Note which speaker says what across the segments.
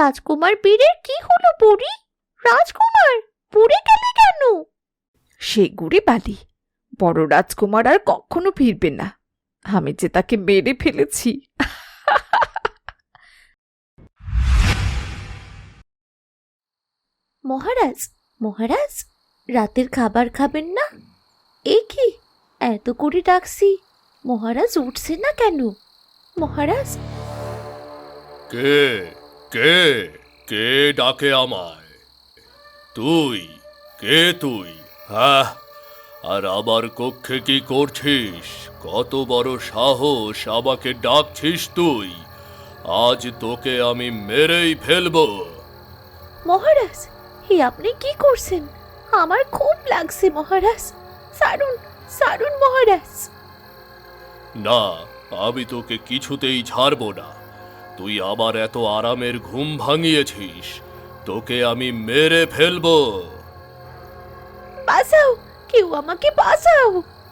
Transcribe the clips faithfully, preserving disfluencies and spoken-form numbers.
Speaker 1: রাজকুমার বীরের কি হলো বুড়ি? রাজকুমার পুড়ে গেলে কেন?
Speaker 2: সে গুড়ে বালি, বড় রাজকুমার আর কখনো ফিরবে না। আমি যে তাকে মেরে ফেলেছি।
Speaker 1: মহারাজ, মহারাজ, রাতের খাবার খাবেন না? এ কি, এত করে ডাকছি, মহারাজ উঠছে না কেন? মহারাজ,
Speaker 3: কে কে কে ডাকে আমায়? তুই কে তুই? হ্যাঁ, আর আমার কক্ষে কি করছিস? কত বড় সাহস আমাকে ডাকছিস তুই? আজ তোকে আমি মেরেই ফেলবো।
Speaker 1: মহারাজ, হে আপনি কি করছেন? আমার খুব লাগছে মহারাজ, সারুন সারুন মহারাজ।
Speaker 3: না, আমি তোকে কিছুতেই ছাড়বো না। তুই আবার এত আরামের ঘুম ভাঙিয়েছিস, তোকে আমি মেরে ফেলবো।
Speaker 1: বাঁচাও, কেউ আমাকে বাঁচাও।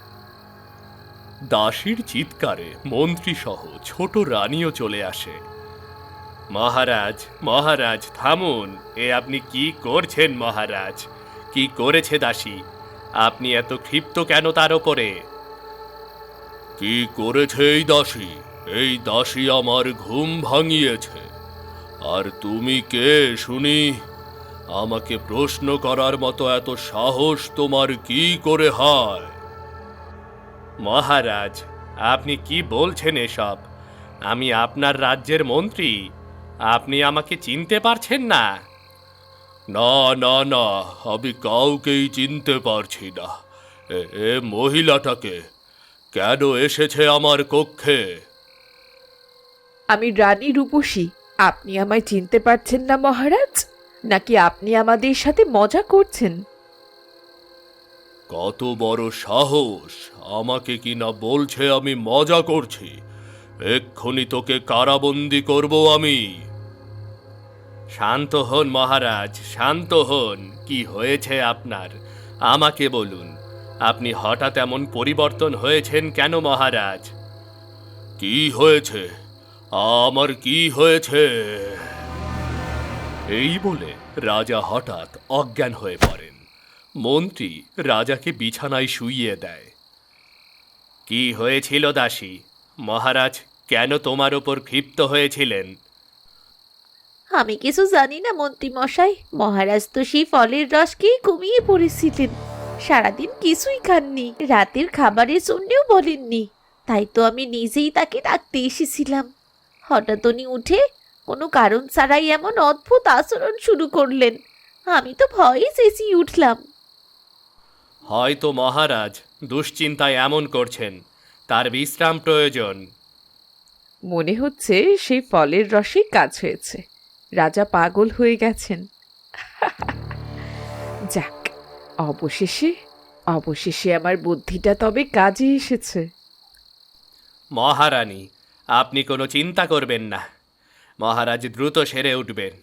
Speaker 3: দাসীর চিৎকারে মন্ত্রী সহ ছোট রানীও চলে আসে। মহারাজ, মহারাজ থামুন, এ আপনি কি করছেন মহারাজ? কি করেছে দাসী? আপনি এত ক্ষিপ্ত কেন তার ওপরে? কি করেছে এই দাসী? এই দাসী আমার ঘুম ভাঙিয়েছে। আর তুমি কে শুনি? আমাকে প্রশ্ন করার মতো এত সাহস তোমার কি করে হয়? মহারাজ, আপনি কি বলছেন এসব? আমি আপনার রাজ্যের মন্ত্রী। আপনি আমাকে চিনতে পারছেন না? না না না, আমি কাউকেই চিনতে পারছি না। এ এ মহিলাটাকে কেন এসেছে আমার কক্ষে?
Speaker 2: আমি রানী রূপসী। আপনি আমায় চিনতে পারছেন না মহারাজ? নাকি আপনি আমাদের সাথে মজা করছেন?
Speaker 3: কত বড় সাহস! আমাকে কিনা বলছে আমি মজা করছি। এক্ষুনি তোকে কারাবন্দি করব আমি। শান্ত হন মহারাজ, শান্ত হন। কি হয়েছে আপনার? আমাকে বলুন, আপনি হঠাৎ এমন পরিবর্তন হয়েছেন কেন মহারাজ? কি হয়েছে? আমার কি হয়েছে? এই বলে রাজা হঠাৎ অজ্ঞান হয়ে পড়েন। মন্ত্রী রাজাকে বিছানায় শুইয়ে দেয়। কি হয়েছিল দাসী? মহারাজ কেন তোমার ওপর ক্ষিপ্ত হয়েছিলেন?
Speaker 1: আমি কিছু জানি না মন্ত্রী মশাই, মহারাজ তো সেই ফলের রসকেই ঘুমিয়ে পড়েছিলেন। সারাদিন কিছুই খাননি, রাতের খাবারের জন্যেও বলেননি। তাই তো আমি নিজেই তাকে ডাকতে এসেছিলাম। হঠাৎ উনি উঠে কোনো কারণ ছাড়াই এমন অদ্ভুত আচরণ শুরু করলেন। আমি তো ভয়ে চেঁচিয়ে উঠলাম।
Speaker 3: হয়তো মহারাজ দুশ্চিন্তায় এমন করছেন, তার বিশ্রাম প্রয়োজন।
Speaker 2: মনে হচ্ছে সেই ফলের রসেই কাজ হয়েছে। রাজা পাগল হয়ে গেছেন। যাক, অবশেষে অবশেষে আমার বুদ্ধিটা তবে কাজে এসেছে।
Speaker 3: মহারানী, আপনি কোনো চিন্তা করবেন না। মহারাজ দ্রুত সেরে উঠবেন।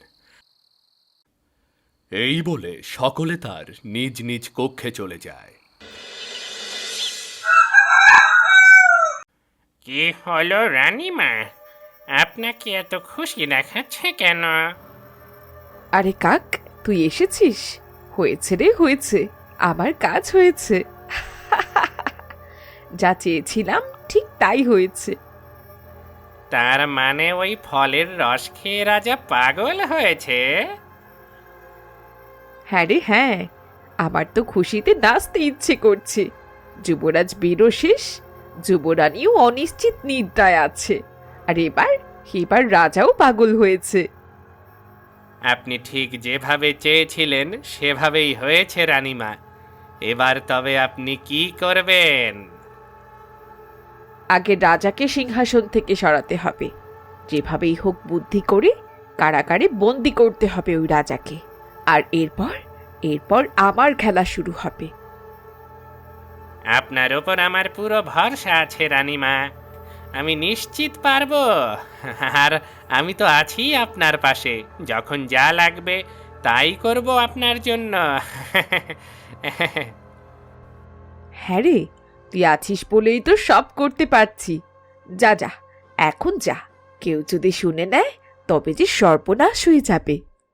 Speaker 3: এই বলে সকলে তার নিজ নিজ কক্ষে চলে যায়।
Speaker 4: কি হলো রানীমা? আপনাকে এত খুশি দেখাচ্ছে কেন?
Speaker 2: আরে কাক, তুই এসেছিস? হয়েছে রে, হয়েছে। আমার কাজ হয়েছে। যা চেয়েছিলাম ঠিক তাই হয়েছে।
Speaker 4: তার মানে ওই ফলের রস খেয়ে রাজা পাগল হয়েছে?
Speaker 2: হ্যাঁ রে হ্যাঁ, আমার তো খুশিতে নাচতে ইচ্ছে করছে। যুবরাজ বীরও শেষ, যুবরানীও অনিশ্চিত নিদ্রায় আছে। আর এবার এবার রাজাও পাগল হয়েছে।
Speaker 4: আপনি ঠিক যেভাবে চেয়েছিলেন সেভাবেই হয়েছে রানীমা। এবার তবে আপনি কি করবেন?
Speaker 2: আগে রাজাকে সিংহাসন থেকে সরাতে হবে। যেভাবেই হোক বুদ্ধি করে কারাগারে বন্দি করতে হবে ওই রাজাকে। আর এরপর এরপর আমার খেলা শুরু হবে।
Speaker 4: আপনার ওপর আমার পুরো ভরসা আছে রানীমা। আমি নিশ্চিত পারবো। আর আমি তো আছি আপনার পাশে। যখন যা লাগবে তাই করব আপনার জন্য।
Speaker 2: হ্যাঁ রে, তুই আছিস বলেই তো সব করতে পারছি। যা যা, এখন যা। কেউ যদি শুনে নেয় তবে যে সর্বনাশ হয়ে যাবে।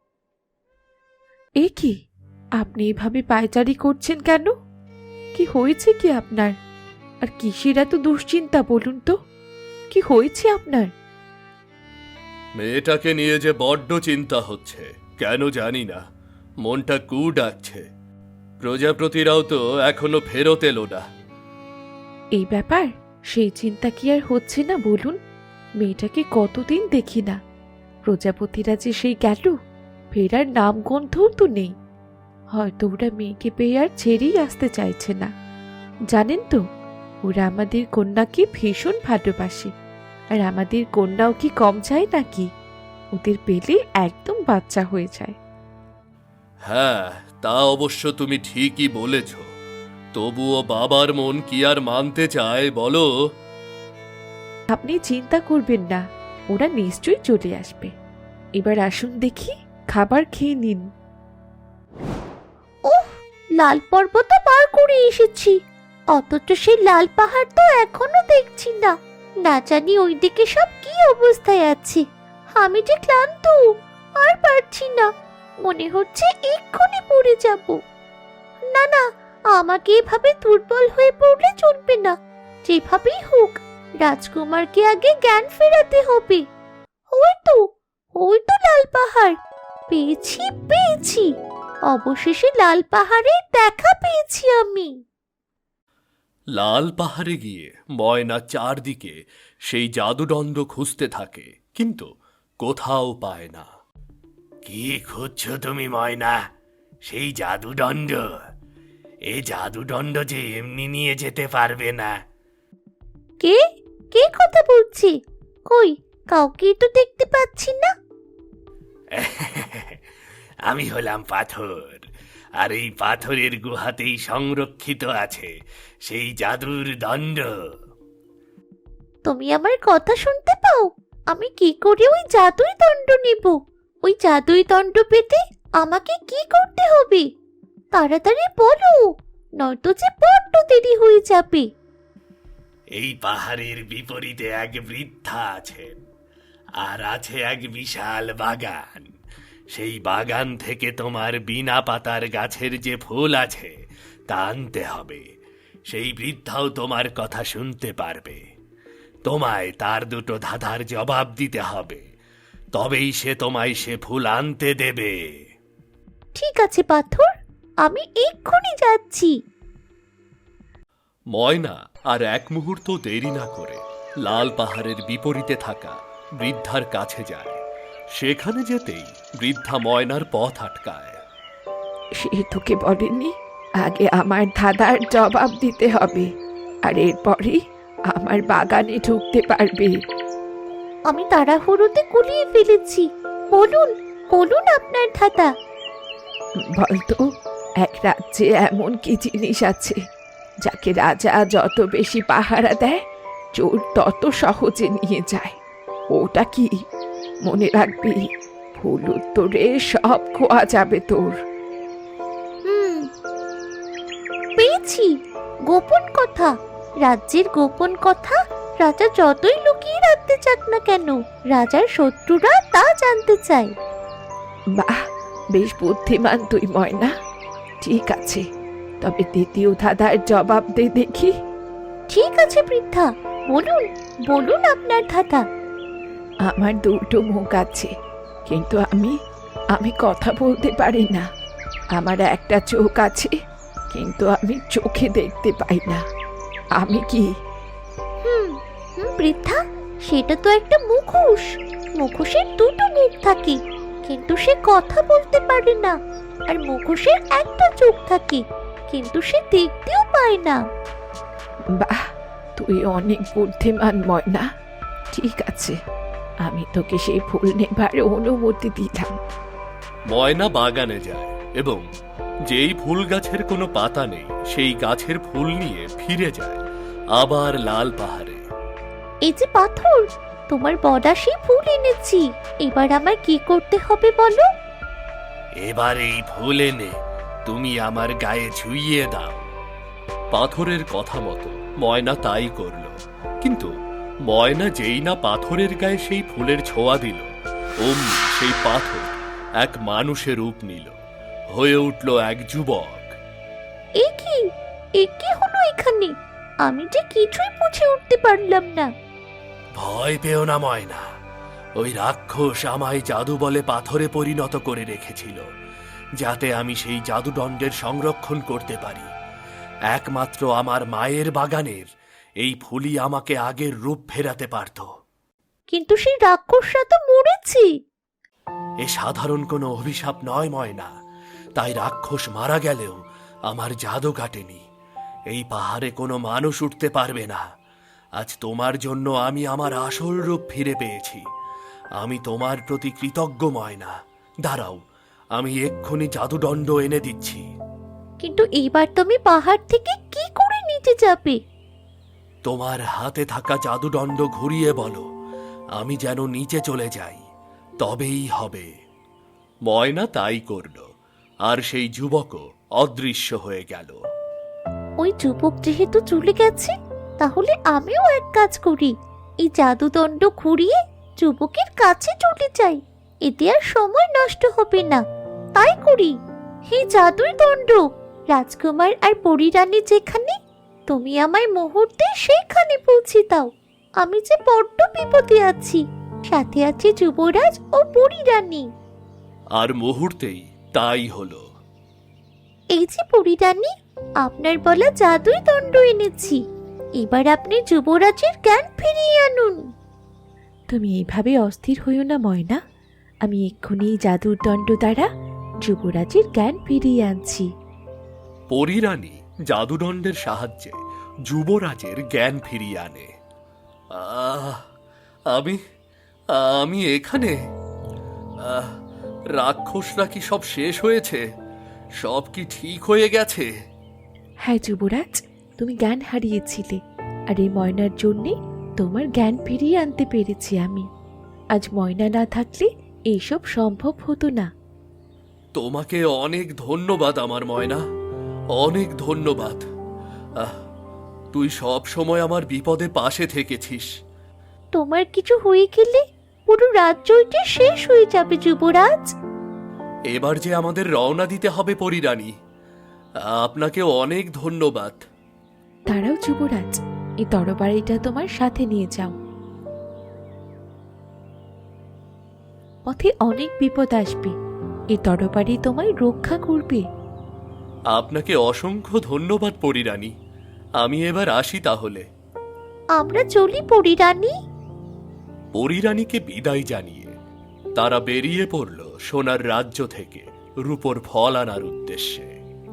Speaker 2: এ কি, আপনি এভাবে পায়চারি করছেন কেন? কি হয়েছে কি আপনার? আর কিসের এত দুশ্চিন্তা বলুন তো? কি হয়েছে আপনার?
Speaker 3: মেয়েটাকে নিয়ে যে বড্ড চিন্তা হচ্ছে, কেন জানি না। মনটা কু ডাকছে। প্রজাপতিরাও তো এখনো ফেরত এলো না।
Speaker 2: এই ব্যাপার, সেই চিন্তা কি আর হচ্ছে না বলুন? মেয়েটাকে কতদিন দেখি না। প্রজাপতিরা যে সেই গেল, ফেরার নাম গন্ধও তো নেই। হয়তো ওরা মেয়েকে পেয়ে আর ছেড়েই আসতে চাইছে না। জানেন তো, ওরা আমাদের কন্যাকে ভীষণ ভালোবাসে। আর আমাদের কন্যাও কি কম চায় নাকি? ওদের পেলে একদম বাচ্চা হয়ে যায়।
Speaker 3: হ্যাঁ, তা অবশ্য তুমি ঠিকই বলেছ। তবুও বাবার মন কি আর মানতে চায় বলো?
Speaker 2: আপনি চিন্তা করবেন না, ওরা নিশ্চয়ই চলে আসবে। এবার আসুন দেখি, খাবার খেয়ে নিন।
Speaker 1: ওহ, লাল পর্বত পার করে এসেছি, অথচ সেই লাল পাহাড় তো এখনো দেখছি না। না জানি ওইদিকে সব কি অবস্থায় আছে। আমি যে ক্লান্ত, আর পারছি না। মনে হচ্ছে এক্ষুনি পড়ে যাব। না না, আমাকে এভাবে দুর্বল হয়ে পড়লে চলবে না। যেভাবেই হোক রাজকুমারকে আগে জ্ঞান ফেরাতে হবে। ওই তো, ওই তো লাল পাহাড়। পেয়েছি পেয়েছি, অবশেষে লাল পাহাড়ে দেখা পেয়েছি আমি।
Speaker 3: লাল পাহাড়ে গিয়ে ময়না চারদিকে সেই জাদুদণ্ড খুঁজতে থাকে, কিন্তু কোথাও পায় না। কি খুঁজছো তুমি ময়না? সেই জাদুদণ্ড? এই জাদুদণ্ড যে এমনি নিয়ে যেতে পারবে না।
Speaker 1: কে কে কথা বলছে? কই, কাউকে তো দেখতে পাচ্ছি না।
Speaker 3: আমি হলাম পাথর, আর এই পাথরের গুহাতেই সংরক্ষিত আছে সেই জাদুর দণ্ড।
Speaker 1: তুমি আমার কথা শুনতে পাও? আমি কি করে ওই জাদুই দণ্ড নেব? ওই জাদুই দণ্ড পেতে আমাকে কি করতে হবে? তাড়াতাড়ি বলো, নয়তো যে বড্ড দেরি হয়ে যাবে।
Speaker 3: এই পাহাড়ের বিপরীতে এক বৃদ্ধা আছেন, আর আছে এক বিশাল বাগান। সেই বাগান থেকে তোমার বিনা পাতার গাছের যে ফুল আছে তা আনতে হবে। সেই বৃদ্ধাও তোমার কথা শুনতে পারবে। তোমায় তার দুটো ধাঁধার জবাব দিতে হবে, তবেই সে তোমায় সে ফুল আনতে দেবে।
Speaker 1: ঠিক আছে পাথর, আমি এক্ষুনি যাচ্ছি।
Speaker 3: ময়না আর এক মুহূর্ত দেরি না করে লাল পাহাড়ের বিপরীতে থাকা বৃদ্ধার কাছে যায়। সেখানে যেতেই বৃদ্ধা ময়নার পথ আটকায়।
Speaker 2: সে তোকে বলেনি আগে আমার ধাঁধার জবাব দিতে হবে, আর এরপরই আমার বাগানে ঢুকতে পারবে?
Speaker 1: আমি তাড়াহুড়োতে গুলিয়ে ফেলেছি। বলুন বলুন আপনার ধাঁধা।
Speaker 2: বলতো, এক রাজ্যে এমন কি জিনিস আছে যাকে রাজা যত বেশি পাহারা দেয়, চোর তত সহজে নিয়ে যায়? ওটা কি? মনে রাখবি, ভুল উত্তরে সব খোয়া যাবে তোর।
Speaker 1: হুম, পেয়েছি। গোপন কথা। রাজ্যের গোপন কথা রাজা যতই লুকিয়ে রাখতে চাক না কেন, রাজার শত্রুরা তা জানতে চায়।
Speaker 2: বাহ, বেশ বুদ্ধিমান তুই ময়না। ঠিক আছে, তবে দ্বিতীয় ধাঁধার জবাব দে দেখি।
Speaker 1: ঠিক আছে বৃদ্ধা, বলুন বলুন আপনার ধাঁধা।
Speaker 2: আমার দুটো মুখ আছে, কিন্তু আমি আমি কথা বলতে পারি না। আমার একটা চোখ আছে, কিন্তু আমি চোখে দেখতে পাই না। আমি কি?
Speaker 1: হুম হুম বৃদ্ধা, সেটা তো একটা মুখোশ। মুখোশের দুটো মুখ থাকে, কিন্তু সে কথা বলতে পারে না। আর মুখোশের একটা চোখ থাকে, কিন্তু সে দেখতেও পায় না।
Speaker 2: বাহ, তুই অনেক বুদ্ধিমান ময়না। ঠিক আছে, আমি তোকে সেই ফুল নেবার অনুমতি দিলাম।
Speaker 3: ময়না বাগানে যায় এবং যেই ফুল গাছের কোনো পাতা নেই সেই গাছের ফুল নিয়ে ফিরে যায় আবার লাল পাহাড়ে।
Speaker 1: এই যে পাথর, তোমার বড়া সেই ফুল এনেছি। এবার আমায় কি করতে হবে বলো?
Speaker 3: এবার এই ফুল এনে তুমি আমার গায়ে ছুঁইয়ে দাও। পাথরের কথা মতো ময়না তাই করল, কিন্তু ময়না যেই না পাথরের গায়ে সেই ফুলের ছোঁয়া দিল, অমনি সেই পাথর এক মানুষের রূপ নিল, হয়ে উঠল এক যুবক।
Speaker 1: এ কি এ কি হলো এখানে? আমি যে কিছুই বুঝে উঠতে পারলাম না।
Speaker 3: ভয় পেও না ময়না, ওই রাক্ষস আমায় জাদু বলে পাথরে পরিণত করে রেখেছিল, যাতে আমি সেই জাদুদণ্ডের সংরক্ষণ করতে পারি। একমাত্র আমার মায়ের বাগানের এই ফুলই আমাকে আগের রূপ ফেরাতে পারত।
Speaker 1: কিন্তু সেই রাক্ষসরা তো মরেছে।
Speaker 3: এ সাধারণ কোনো অভিশাপ নয় ময়না, তাই রাক্ষস মারা গেলেও আমার জাদু কাটেনি। এই পাহাড়ে কোনো মানুষ উঠতে পারবে না। আজ তোমার জন্য আমি আমার আসল রূপ ফিরে পেয়েছি। আমি তোমার প্রতি কৃতজ্ঞ ময়না। দাঁড়াও, আমি এক্ষুনি জাদুদণ্ড এনে দিচ্ছি।
Speaker 1: কিন্তু এইবার তুমি পাহাড় থেকে কি করে নিচে যাবে?
Speaker 3: তোমার হাতে থাকা জাদুদণ্ড ঘুরিয়ে বলো, আমি যেন নিচে চলে যাই, তবেই হবে। ময়না তাই করল, আর সেই যুবকও অদৃশ্য হয়ে গেল।
Speaker 1: ওই যুবক যেহেতু চলে গেছে, তাহলে আমিও এক কাজ করি, এই জাদুদণ্ড ঘুরিয়ে যুবকের কাছে চলে যাই। এতে আর সময় নষ্ট হবে না। তাই করি। হে জাদুর দণ্ড, রাজকুমার আর পরীরানী যেখানে, তুমি আমায় মুহূর্তে সেখানে পৌঁছে দাও। আমি যে বড্ড বিপদে আছি, সাথে আছে যুবরাজ ও পরীরানী।
Speaker 3: আর মুহূর্তেই তাই হলো।
Speaker 1: এই যে পরীরানী, আপনার বলা জাদুই দণ্ড এনেছি। এবার আপনি যুবরাজের জ্ঞান ফিরিয়ে আনুন।
Speaker 2: তুমি এইভাবে অস্থির হইও না ময়না, আমি এক্ষুনি এই জাদুর দণ্ড দ্বারা যুবরাজের জ্ঞান ফিরিয়ে আনছি।
Speaker 3: পরীরানী জাদুদণ্ডের সাহায্যে যুবরাজের জ্ঞান ফিরিয়ে আনে। আহ, আমি আমি এখানে। আহ, রাক্ষসরা কি সব শেষ হয়েছে? সব কি ঠিক হয়ে গেছে?
Speaker 2: হ্যাঁ যুবরাজ, তুমি জ্ঞান হারিয়েছিলে, আর এই ময়নার জন্যে তোমার জ্ঞান ফিরিয়ে আনতে পেরেছি আমি। আজ ময়না না থাকলে এইসব সম্ভব হতো না।
Speaker 3: তোমাকে অনেক ধন্যবাদ আমার ময়না, অনেক ধন্যবাদ। আহ, তুই সব সময় আমার বিপদে পাশে থেকেছিস।
Speaker 1: তোমার কিছু হয়ে গেলে পুরো রাজ্যটি শেষ হয়ে যাবে যুবরাজ।
Speaker 3: এবার যে আমাদের রওনা দিতে হবে পরীরানী, আপনাকে অনেক ধন্যবাদ।
Speaker 2: তারাও যুবরাজ, এই তরবারিটা তোমার সাথে নিয়ে যাও। পথে অনেক বিপদ আসবে, এই তরবারি তোমায় রক্ষা করবে।
Speaker 3: আপনাকে অসংখ্য ধন্যবাদ পরীরানী। আমি এবার আসি তাহলে।
Speaker 1: আমরা চলি পরীরানী।
Speaker 3: পরীরানীকে বিদায় জানিয়ে তারা বেরিয়ে পড়ল সোনার রাজ্য থেকে রূপোর ফল আনার উদ্দেশ্যে।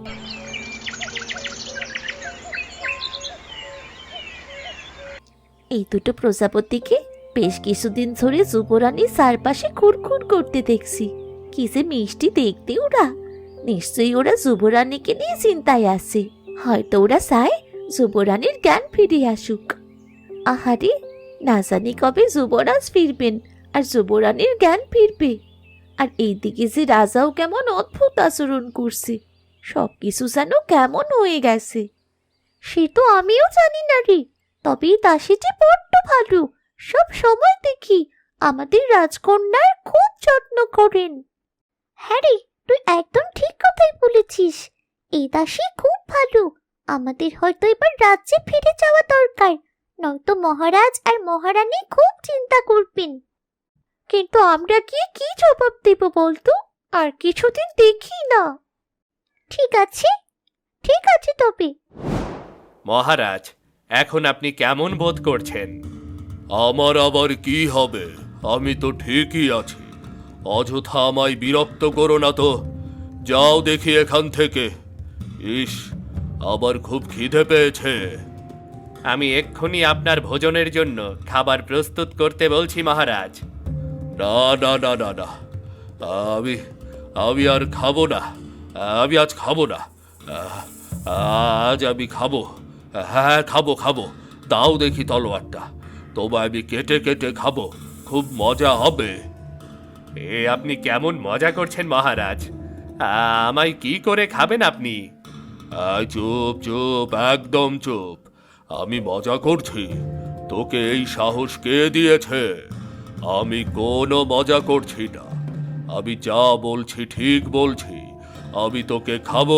Speaker 1: এই দুটো প্রজাপতিকে বেশ কিছুদিন ধরে যুবরানী চারপাশে খুরখুর করতে দেখছি। কি যে মিষ্টি দেখতে ওরা! নিশ্চয়ই ওরা যুবরানীকে নিয়ে চিন্তায় আছে। হয়তো ওরা চায় যুবরানীর জ্ঞান ফিরে আসুক। আহারে, না জানি কবে যুবরাজ ফিরবেন আর যুবরানীর জ্ঞান ফিরবে। আর এইদিকে যে রাজাও কেমন অদ্ভুত আচরণ করছে, সবকিছু যেন কেমন হয়ে গেছে। সে তো আমিও জানি না রে, তবে এই দাসীটি বড্ড ভালো। সব সময় দেখি আমাদের রাজকন্যার খুব যত্ন করেন। হ্যাঁ রে, তুই একদম ঠিক কথাই বলেছিস। এই দাসী খুব ভালো। আমাদের হয়তো এবার রাজ্যে ফিরে যাওয়া দরকার, নয়তো মহারাজ আর মহারানী খুব চিন্তা করবেন। কিন্তু আমরা গিয়ে কি জবাব দেব বলতো? আর কিছুদিন দেখি না। ঠিক আছে, ঠিক আছে তবে।
Speaker 3: মহারাজ, এখন আপনি কেমন বোধ করছেন? আমার আবার কি হবে, আমি তো ঠিকই আছি। অযথা আমায় বিরক্ত করো না তো, যাও দেখি এখান থেকে। ইস, আবার খুব খিদে পেয়েছে। আমি এক্ষুনি আপনার ভোজনের জন্য খাবার প্রস্তুত করতে বলছি মহারাজ। না না না না না, আমি আমি আর খাবো না। আমি আজ খাবো না। আহ, আজ আমি খাবো। হ্যাঁ খাবো খাবো, দাও দেখি তলোয়ারটা। তোমায় আমি কেটে কেটে খাবো, খুব মজা হবে। এ আপনি কেমন মজা করছেন মহারাজ? আমায় কি করে খাবেন আপনি? আয় চুপ চুপ, একদম চুপ। আমি মজা করছি। তোকে এই সাহস কে দিয়েছে? আমি কোনো মজা করছি না, আমি যা বলছি ঠিক বলছি। আমি তোকে খাবো।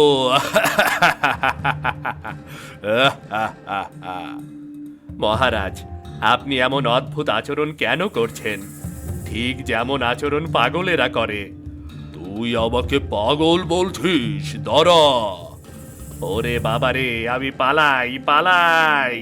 Speaker 3: মহারাজ, আপনি এমন অদ্ভুত আচরণ কেন করছেন? ঠিক যেমন আচরণ পাগলেরা করে। তুই আমাকে পাগল বলছিস? দাঁড়া! ওরে বাবারে, আমি পালাই পালাই।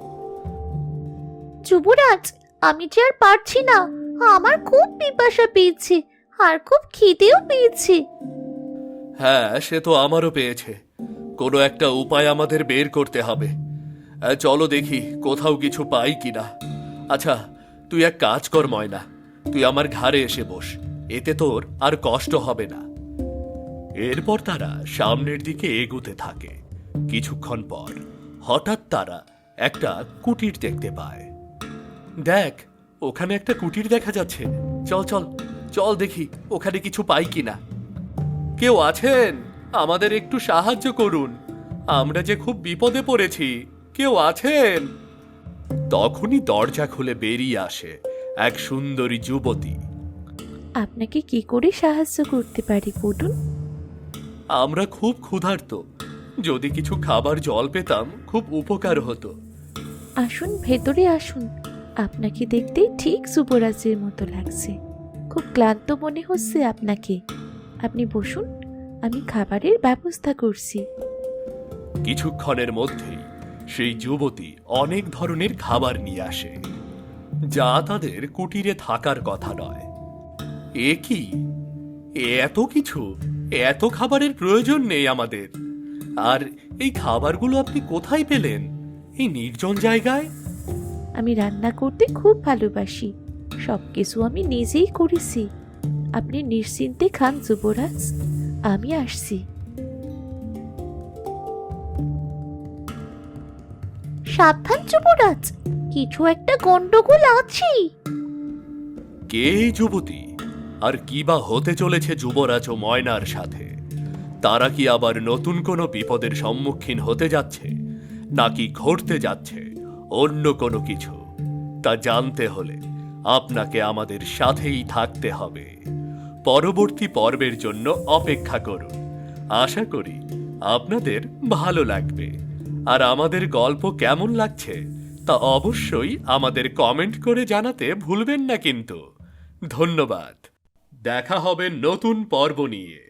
Speaker 1: যুবরাজ, আমি যে আর পারছি না, আমার খুব পিপাসা পেয়েছে আর খুব খিদেও পেয়েছে।
Speaker 3: হ্যাঁ, সে তো আমারও পেয়েছে। কোনো একটা উপায় আমাদের বের করতে হবে। আহ, চলো দেখি কোথাও কিছু পাই কিনা। আচ্ছা, তুই এক কাজ কর ময়না, তুই আমার ঘাড়ে এসে বস, এতে তোর আর কষ্ট হবে না। এরপর তারা সামনের দিকে এগোতে থাকে। কিছুক্ষণ পর হঠাৎ তারা একটা কুটির দেখতে পায়। দেখ, ওখানে একটা কুটির দেখা যাচ্ছে। চল চল চল দেখি ওখানে কিছু পাই কিনা। কেউ আছেন? আমাদের একটু সাহায্য করুন, আমরা যে খুব বিপদে পড়েছি। কেউ আছেন? তখনই দরজা খুলে বেরিয়ে আসে এক সুন্দরী যুবতী।
Speaker 1: আপনাকে কি করে সাহায্য করতে পারি বলুন?
Speaker 3: আমরা খুব ক্ষুধার্ত, যদি কিছু খাবার জল পেতাম খুব উপকার হতো।
Speaker 1: আসুন, ভেতরে আসুন। আপনাকে দেখতেই ঠিক যুবরাজের মতো লাগছে। খুব ক্লান্ত মনে হচ্ছে আপনাকে। আপনি বসুন, আমি খাবারের ব্যবস্থা করছি।
Speaker 3: কিছুক্ষণের মধ্যেই সেই যুবতী অনেক ধরনের খাবার নিয়ে আসে, যা তাদের কুটিরে থাকার কথা নয়। এ কি, এত কিছু? এত খাবারের প্রয়োজন নেই আমাদের। আর এই খাবারগুলো আপনি কোথায় পেলেন, এই নির্জন জায়গায়?
Speaker 1: আমি রান্না করতে খুব ভালোবাসি, সব কিছু আমি নিজেই করেছি। আপনি নিশ্চিন্তে খান যুবরাজ, আমি আসছি। সাবধান যুবরাজ, কিছু একটা গন্ডগোল আছে।
Speaker 3: কে এই যুবতী, আর কি বা হতে চলেছে যুবরাজ ও ময়নার সাথে? তারা কি আবার নতুন কোনো বিপদের সম্মুখীন হতে যাচ্ছে, নাকি ঘটতে যাচ্ছে অন্য কোনো কিছু? তা জানতে হলে আপনাকে আমাদের সাথেই থাকতে হবে। পরবর্তী পর্বের জন্য অপেক্ষা করুন। আশা করি আপনাদের ভালো লাগবে। আর আমাদের গল্প কেমন লাগছে তা অবশ্যই আমাদের কমেন্ট করে জানাতে ভুলবেন না কিন্তু। ধন্যবাদ। দেখা হবে নতুন পর্ব নিয়ে।